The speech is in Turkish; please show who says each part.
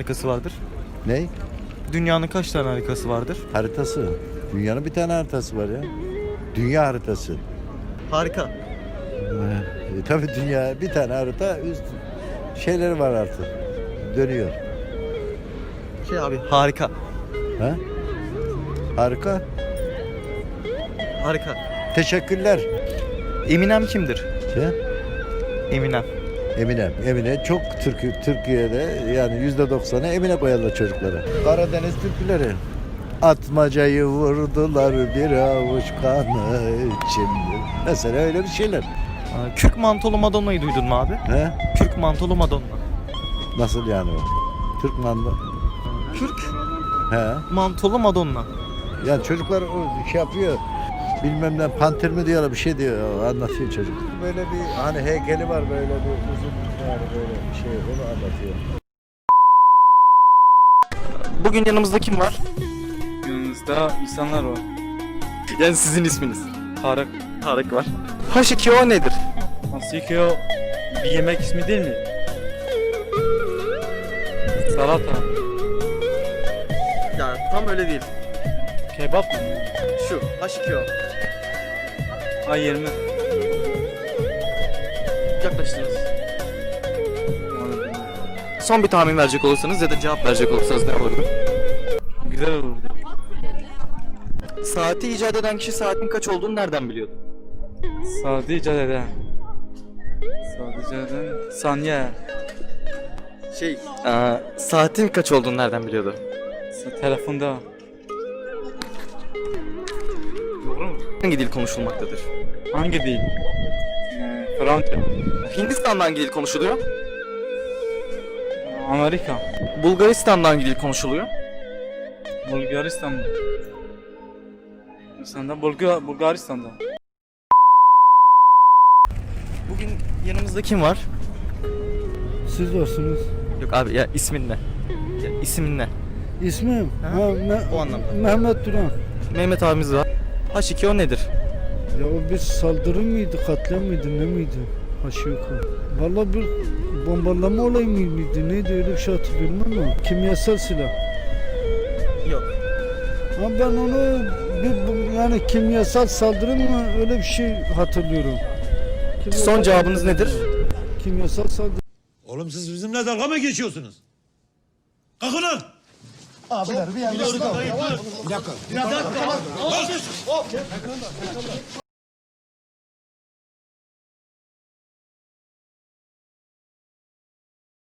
Speaker 1: harikası vardır?
Speaker 2: Ne?
Speaker 1: Dünyanın kaç tane harikası vardır?
Speaker 2: Haritası. Dünyanın bir tane haritası var ya. Dünya haritası.
Speaker 1: Harika.
Speaker 2: Tabii dünya bir tane harita üst şeyleri var artık. Dönüyor.
Speaker 1: Abi harika.
Speaker 2: Ha? Harika.
Speaker 1: Harika.
Speaker 2: Teşekkürler.
Speaker 1: Eminem kimdir?
Speaker 2: Şey,
Speaker 1: Eminem.
Speaker 2: Emine çok Türkiye'de yani %90'ı Emine koyarlar çocuklara. Karadeniz türküleri. Atmacayı vurdular bir avuç kanı içimdir. Mesela öyle bir şeyler.
Speaker 1: Kürk mantolu Madonna'yı duydun mu abi?
Speaker 2: He?
Speaker 1: Kürk mantolu Madonna.
Speaker 2: Nasıl yani o? Türk manda.
Speaker 1: Kürk
Speaker 2: He?
Speaker 1: mantolu Madonna.
Speaker 2: Yani çocuklar o şey yapıyor. Bilmem ne panter mi diyorlar bir şey diyor anlatıyor çocuk. Böyle bir hani heykeli var böyle bir uzun yani böyle bir şey onu anlatıyor.
Speaker 1: Bugün yanımızda kim var?
Speaker 3: Yanınızda insanlar var.
Speaker 1: Yani sizin isminiz.
Speaker 3: Tarık.
Speaker 1: Tarık var. H2O nedir?
Speaker 3: Hasiki bir yemek ismi değil mi? Salata.
Speaker 1: Ya tam öyle değil.
Speaker 3: Kebap mı?
Speaker 1: Şu H2O.
Speaker 3: A20.
Speaker 1: Yaklaştınız. Son bir tahmin verecek olursanız ya da cevap verecek olursanız ne olurdu?
Speaker 3: Güzel olurdu.
Speaker 1: Saati icat eden kişi saatin kaç olduğunu nereden biliyordu?
Speaker 3: Saati icat eden. Saati icat eden. Saniye.
Speaker 1: Saatin kaç olduğunu nereden biliyordu?
Speaker 3: Telefonda. Doğru mu?
Speaker 1: Hangi dil konuşulmaktadır?
Speaker 3: Hangi dil? Fransa.
Speaker 1: Hindistan'da hangi dil konuşuluyor?
Speaker 3: Amerika.
Speaker 1: Bulgaristan'da hangi dil konuşuluyor?
Speaker 3: Bulgaristan'da. Bulgaristan'da. Bulgaristan'da.
Speaker 1: Bugün yanımızda kim var?
Speaker 4: Siz varsınız.
Speaker 1: Yok abi ya ismin ne? Ya, ismin ne?
Speaker 4: İsmim?
Speaker 1: Ha, o anlamda.
Speaker 4: Mehmet Duran.
Speaker 1: Mehmet abimiz var. H2O nedir?
Speaker 4: Ya o bir saldırı mıydı, katliam mıydı, ne miydi? Aşağı yukarı. Vallahi bir bombalama olayı mıydı, neydi öyle bir şey hatırlıyorum ama kimyasal silah.
Speaker 1: Yok.
Speaker 4: Ama ben onu yani kimyasal saldırı mı öyle bir şey hatırlıyorum.
Speaker 1: Son cevabınız nedir?
Speaker 4: Kimyasal saldırı.
Speaker 5: Oğlum siz bizimle dalga mı geçiyorsunuz? Kalkın lan!
Speaker 6: Abiler bir yanlışlık oldu. Bir dakika.